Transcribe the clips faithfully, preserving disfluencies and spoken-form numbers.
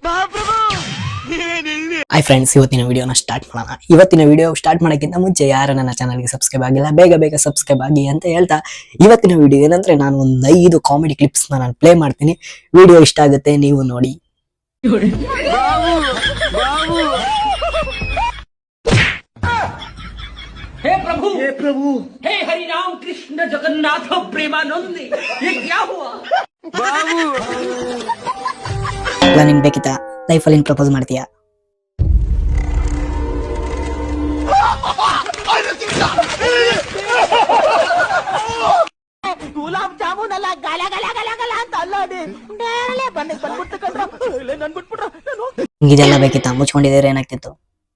Hi friends, ಇವತ್ತಿನ ವಿಡಿಯೋನ start ಮಾಡೋಣ. ಇವತ್ತಿನ ವಿಡಿಯೋ ಸ್ಟಾರ್ಟ್ ಮಾಡೋಕ್ಕಿಂತ ಮುಂಚೆ ಯಾರು ನನ್ನ ಚಾನಲ್ಗೆ ಸಬ್ಸ್ಕ್ರೈಬ್ ಆಗಿಲ್ಲ, ಬೇಗ ಬೇಗ ಸಬ್ಸ್ಕ್ರೈಬ್ ಆಗಿ ಅಂತ ಹೇಳ್ತಾ ಇವತ್ತಿನ ವಿಡಿಯೋ ಏನಂದ್ರೆ ನಾನು ಒಂದು ಐದು ಕಾಮಿಡಿ ಕ್ಲಿಪ್ಸ್ನ ನಾನು ಪ್ಲೇ ಮಾಡ್ತೀನಿ. ವಿಡಿಯೋ ಇಷ್ಟ ಆಗುತ್ತೆ, ನೀವು ನೋಡಿ. हे प्रभु हे प्रभु हे हरि राम कृष्ण जगन्नाथ प्रेमानंद ये क्या हुआ बाबू ನಿನ್ ಬೇಕಿತ್ತಾ ಲೈಫಲ್ಲಿ ಪ್ರಪೋಸ್ ಮಾಡ್ತೀಯಾ? ಗುಲಾಬ್ ಜಾಮೂನ್ ಅಲ್ಲ ಗಲ ಗಲ ಗಲ ಗಲ ಅಂತ ಅಲ್ಲದೆ ಬಂದ್ ಬಂದ್ಬಿಟ್ಟು ಕಂಡ್ರ ನನ್ ಬಿಟ್ಬಿಟ್ರ ಇದೆಲ್ಲ ಬೇಕಿತ್ತಾ? ಮುಚ್ಕೊಂಡಿದ್ರೆ ಏನಾಗ್ತಿತ್ತು?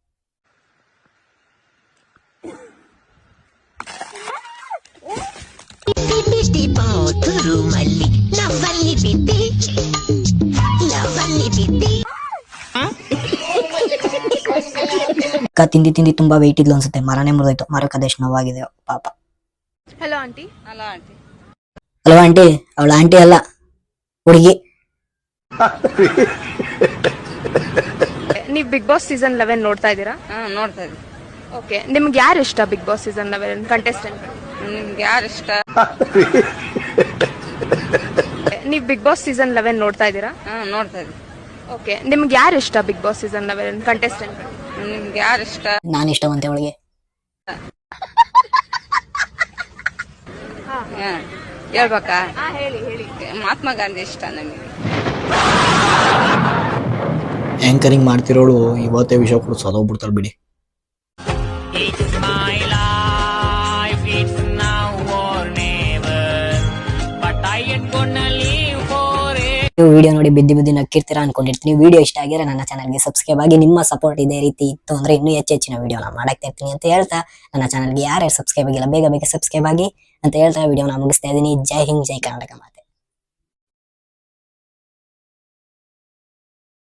ಅಕ್ಕ ತಿಂದಿ ತಿಂದಿ ತುಂಬಾ ವೆಯ್ಟ್ ಇದ್ಲು ಅನ್ಸುತ್ತೆ, ಮರನೇ ಮುರಿದೋಯ್ತು. ಮರಕ್ಕೆ ಅದೆಷ್ಟು ನೋವಾಗಿದೆ ಪಾಪ. Hello aunty. Hello aunty. Hello aunty. ಅವಳ ಆಂಟಿ ಅಲ್ಲ, ಹುಡುಗಿ. ನೀವು ಬಿಗ್ ಬಾಸ್ ಸೀಸನ್ ಲೆವೆನ್ ನೋಡ್ತಾ ಇದ್ದೀರಾ? ಹಾ ನೋಡ್ತಾ ಇದ್ವಿ. ಓಕೆ, ನಿಮ್ಗೆ ಯಾರು ಇಷ್ಟ Bigg Boss season eleven contestant? ನಿಮ್ಗೆ ಯಾರು ಇಷ್ಟ? ನೀವು ಬಿಗ್ ಬಾಸ್ ಸೀಸನ್ ಲೆವೆನ್ ನೋಡ್ತಾ ಇದ್ದೀರಾ? ಹಾ ನೋಡ್ತಾ ಇದ್ವಿ. ಓಕೆ, ನಿಮ್ಗೆ ಯಾರು ಇಷ್ಟ Bigg Boss season eleven contestant? ನಿಮ್ಗೆ ಯಾರು ಇಷ್ಟ? ನಾನು ಇಷ್ಟವಂತೆ ಅವಳಿಗೆ. ಹಾ ಹೇಳ್ಬೇಕಾ? ಹಾ ಹೇಳಿ ಹೇಳಿ. ಮಹಾತ್ಮ ಗಾಂಧಿ ಇಷ್ಟ ನಮಗೆ. ಆಂಕರಿಂಗ್ ಮಾಡ್ತಿರೋಳು ಇವತ್ತೇ ವಿಷಯ ಕೂಡ ಸದೋಗ್ಬಿಡ್ತಾಳೆ ಬಿಡಿ. ನೀವು ವಿಡಿಯೋ ನೋಡಿ ಬಿದ್ದಿ ಬಿದ್ದಿ ನಕ್ಕಿರ್ತೀರಾ ಅನ್ಕೊಂಡಿರ್ತೀನಿ. ವಿಡಿಯೋ ಇಷ್ಟ ಆಗಿದ್ರೆ ನನ್ನ ಚಾನಲ್ಗೆ ಸಬ್ಸ್ಕ್ರೈಬ್ ಆಗಿ. ನಿಮ್ಮ ಸಪೋರ್ಟ್ ಇದೇ ರೀತಿ ಇತ್ತು ಅಂದ್ರೆ ಇನ್ನೂ ಹೆಚ್ಚು ಹೆಚ್ಚಿನ ವಿಡಿಯೋನ ಮಾಡಾಕ್ತಾ ಇರ್ತೀನಿ ಅಂತ ಹೇಳ್ತಾ, ನನ್ನ ಚಾನಲ್ಗೆ ಯಾರ್ಯಾರು ಸಬ್ಸ್ಕ್ರೈಬ್ ಆಗಿಲ್ಲ ಬೇಗ ಬೇಗ ಸಬ್ಸ್ಕ್ರೈಬ್ ಆಗಿ ಅಂತ ಹೇಳ್ತಾ ವಿಡಿಯೋನ ಮುಗಿಸ್ತಾ ಇದ್ದೀನಿ. ಜೈ ಹಿಂದ್, ಜೈ ಕರ್ನಾಟಕ.